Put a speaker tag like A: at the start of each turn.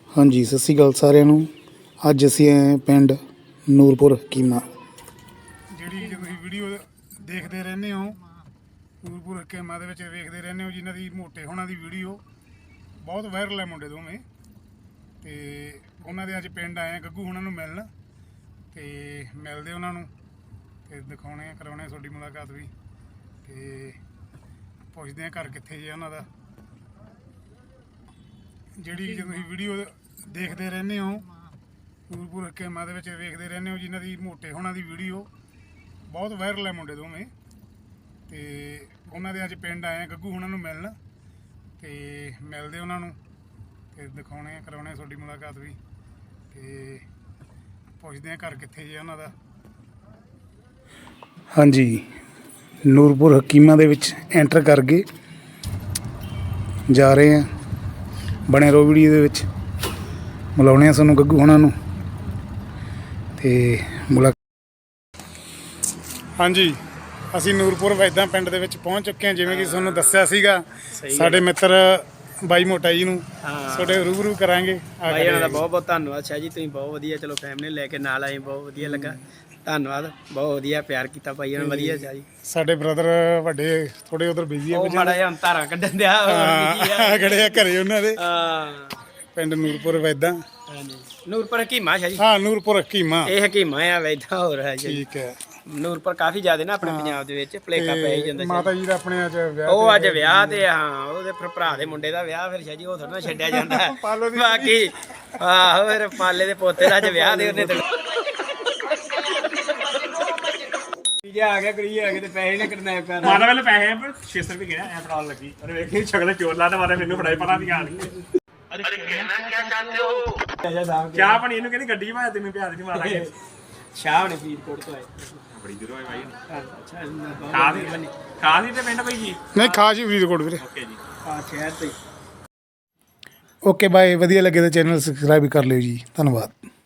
A: ਹਾਂਜੀ ਸਤਿ ਸ਼੍ਰੀ ਅਕਾਲ ਸਾਰਿਆਂ ਨੂੰ। ਅੱਜ ਅਸੀਂ ਆਏ ਹਾਂ ਪਿੰਡ ਨੂਰਪੁਰ ਹਕੀਮਾ। ਜਿਹੜੀ ਤੁਸੀਂ ਵੀਡੀਓ ਦੇਖਦੇ ਰਹਿੰਦੇ ਹੋ ਨੂਰਪੁਰ ਹਕੀਮਾ ਦੇ ਵਿੱਚ ਵੇਖਦੇ ਰਹਿੰਦੇ ਹੋ, ਜਿਨ੍ਹਾਂ ਦੀ ਮੋਟੇ ਹੋਣਾ ਦੀ ਵੀਡੀਓ ਬਹੁਤ ਵਾਇਰਲ ਹੈ ਮੁੰਡੇ ਦੋਵੇਂ, ਤੇ ਉਹਨਾਂ ਦੇ ਅੱਜ ਪਿੰਡ ਆਏ ਆ ਗੱਗੂ ਹੋਣਾ ਨੂੰ ਮਿਲਣ, ਤੇ ਮਿਲਦੇ ਉਹਨਾਂ ਨੂੰ ਤੇ ਦਿਖਾਉਣੇ ਕਰਾਉਣੇ ਤੁਹਾਡੀ ਮੁਲਾਕਾਤ ਵੀ, ਤੇ ਪੁੱਛਦੇ ਆ ਘਰ ਕਿੱਥੇ ਜੇ ਉਹਨਾਂ ਦਾ। ਜਿਹੜੀ ਤੁਸੀਂ ਵੀਡੀਓ ਦੇਖਦੇ ਰਹਿੰਦੇ ਹੋ ਨੂਰਪੁਰ ਹਕੀਮਾ ਦੇ ਵਿੱਚ ਵੇਖਦੇ ਰਹਿੰਦੇ ਹੋ, ਜਿਨ੍ਹਾਂ ਦੀ ਮੋਟੇ ਹੋਣਾ ਦੀ ਵੀਡੀਓ ਬਹੁਤ ਵਾਇਰਲ ਹੈ ਮੁੰਡੇ ਦੋਵੇਂ, ਤੇ ਉਹਨਾਂ ਦੇ ਅੱਜ ਪਿੰਡ ਆਏ ਆ ਗੱਗੂ ਹੋਣਾ ਨੂੰ ਮਿਲਣ, ਤੇ ਮਿਲਦੇ ਉਹਨਾਂ ਨੂੰ ਤੇ ਦਿਖਾਉਣੇ ਕਰਾਉਣੇ ਤੁਹਾਡੀ ਮੁਲਾਕਾਤ ਵੀ, ਤੇ ਪੁੱਛਦੇ ਆ ਘਰ ਕਿੱਥੇ ਜੇ ਉਹਨਾਂ ਦਾ। ਹਾਂਜੀ ਨੂਰਪੁਰ ਹਕੀਮਾ ਦੇ ਵਿੱਚ ਐਂਟਰ ਕਰ ਗਏ, ਜਾ ਰਹੇ ਆ। ਬਣੇ ਰਹੋ ਵੀਡੀਓ ਦੇ ਵਿੱਚ, ਮਿਲਾਉਣੇ ਆ ਸਾਨੂੰ ਗੱਗੂ ਹੋਣਾ ਨੂੰ ਤੇ ਮੁਲਾਕਾਤ। ਹਾਂਜੀ ਅਸੀਂ ਨੂਰਪੁਰ ਵੈਦਾਂ ਪਿੰਡ ਦੇ ਵਿੱਚ ਪਹੁੰਚ ਚੁੱਕੇ ਹਾਂ। ਜਿਵੇਂ ਕਿ ਤੁਹਾਨੂੰ ਦੱਸਿਆ ਸੀਗਾ, ਸਾਡੇ ਮਿੱਤਰ ਬਾਈ ਮੋਟਾ ਜੀ ਨੂੰ ਤੁਹਾਡੇ ਰੂਬਰੂ ਕਰਾਂਗੇ।
B: ਬਾਈ ਉਹਨਾਂ ਦਾ ਬਹੁਤ ਬਹੁਤ ਧੰਨਵਾਦ ਸ਼ਾਹ ਜੀ, ਤੁਸੀਂ ਬਹੁਤ ਵਧੀਆ ਚਲੋ ਫੈਮਿਲੀ ਲੈ ਕੇ ਨਾਲ ਆਏ, ਬਹੁਤ ਵਧੀਆ ਲੱਗਾ, ਧੰਨਵਾਦ, ਬਹੁਤ ਵਧੀਆ ਪਿਆਰ ਕੀਤਾ ਭਾਈ ਉਹਨਾਂ, ਵਧੀਆ ਸ਼ਾਹ ਜੀ। ਸਾਡੇ
A: ਬ੍ਰਦਰ ਵੱਡੇ ਥੋੜੇ ਉਧਰ ਬਿਜ਼ੀ ਆ,
B: ਮਾੜਾ ਜਿਹਾ ਧਾਰਾਂ ਕੱਢਣ ਦਿਆ
A: ਖੜੇ ਆ ਘਰੇ ਉਹਨਾਂ ਦੇ। ਪਿੰਡ ਨੂਰਪੁਰ ਵੈਦਾਂ,
B: ਨੂਰਪੁਰ ਹਕੀਮਾ ਸ਼ਾਹ ਜੀ।
A: ਹਾਂ ਨੂਰਪੁਰ ਹਕੀਮਾ,
B: ਇਹ ਹਕੀਮਾ ਆ ਵੈਦਾਂ ਹੋਰ ਹੈ ਜੀ।
A: ਠੀਕ ਹੈ।
B: ਨੂਰਪੁਰ ਕਾਫੀ ਜ਼ਿਆਦਾ ਨਾ ਆਪਣੇ ਪੰਜਾਬ ਦੇ ਵਿੱਚ ਭਲੇਖਾ ਪੈ ਹੀ ਜਾਂਦਾ।
A: ਮਾਤਾ ਜੀ ਦਾ ਆਪਣੇ ਅੱਜ ਵਿਆਹ,
B: ਉਹ ਅੱਜ ਵਿਆਹ ਤੇ ਹਾਂ ਉਹਦੇ ਫਿਰ ਭਰਾ ਦੇ ਮੁੰਡੇ ਦਾ ਵਿਆਹ, ਫਿਰ ਸ਼ਾਹ ਜੀ ਉਹ ਥੋੜਾ ਨਾ ਛੱਡਿਆ ਜਾਂਦਾ ਬਾਕੀ। ਆਹੋ ਫਿਰ ਪਾਲੇ ਦੇ ਪੋਤੇ ਦਾ ਅੱਜ ਵਿਆਹ ਦੇ ਉਹਨੇ ਤੇ ਆ ਗਿਆ ਕਰੀ ਆ ਕੇ ਤੇ ਪੈਸੇ ਨੇ ਕਿਡਨੈਪ ਕਰ
C: ਮਾਤਾ ਵੇਲੇ ਪੈਸੇ 600 ਰੁਪਏ ਗਿਆ ਐ ਫੜਾਉਣ ਲੱਗੀ। ਅਰੇ ਵੇਖੀ ਸ਼ਕਲ ਚੋਰ ਲਾ ਤੇ ਮਾਰੇ ਮੈਨੂੰ ਫੜਾਈ ਪਤਾ ਨਹੀਂ ਆ ਨਹੀਂ। ਅਰੇ ਕਹਿਣਾ ਕੀ ਚਾਹਤੇ ਹੋ? ਕਿਆ ਬਣੀ ਇਹਨੂੰ ਕਹਿੰਦੀ ਗੱਡੀ ਭਾਇਆ ਤੈਨੂੰ ਪਿਆਰ ਦੀ ਮਾਰਾ ਕੇ
B: ਸ਼ਾਹ ਨੇ ਫਰੀਦਕੋਟ ਤੋਂ ਆਏ,
C: ਬੜੀ ਦੂਰੋਂ ਆਏ ਭਾਈ।
B: ਅੱਛਾ
C: ਕਾਦੀ ਤੇ ਪਿੰਡ ਭਾਈ ਜੀ?
A: ਨਹੀਂ ਖਾਸ ਹੀ ਫਰੀਦਕੋਟ ਵੀਰੇ।
C: ਓਕੇ ਜੀ,
B: ਹਾਂ ਸ਼ਹਿਰ ਤੇ।
A: Okay bye. ਵਧੀਆ ਲੱਗੇ ਤਾਂ ਚੈਨਲ ਸਬਸਕ੍ਰਾਈਬ ਕਰ ਲਿਓ ਜੀ, ਧੰਨਵਾਦ।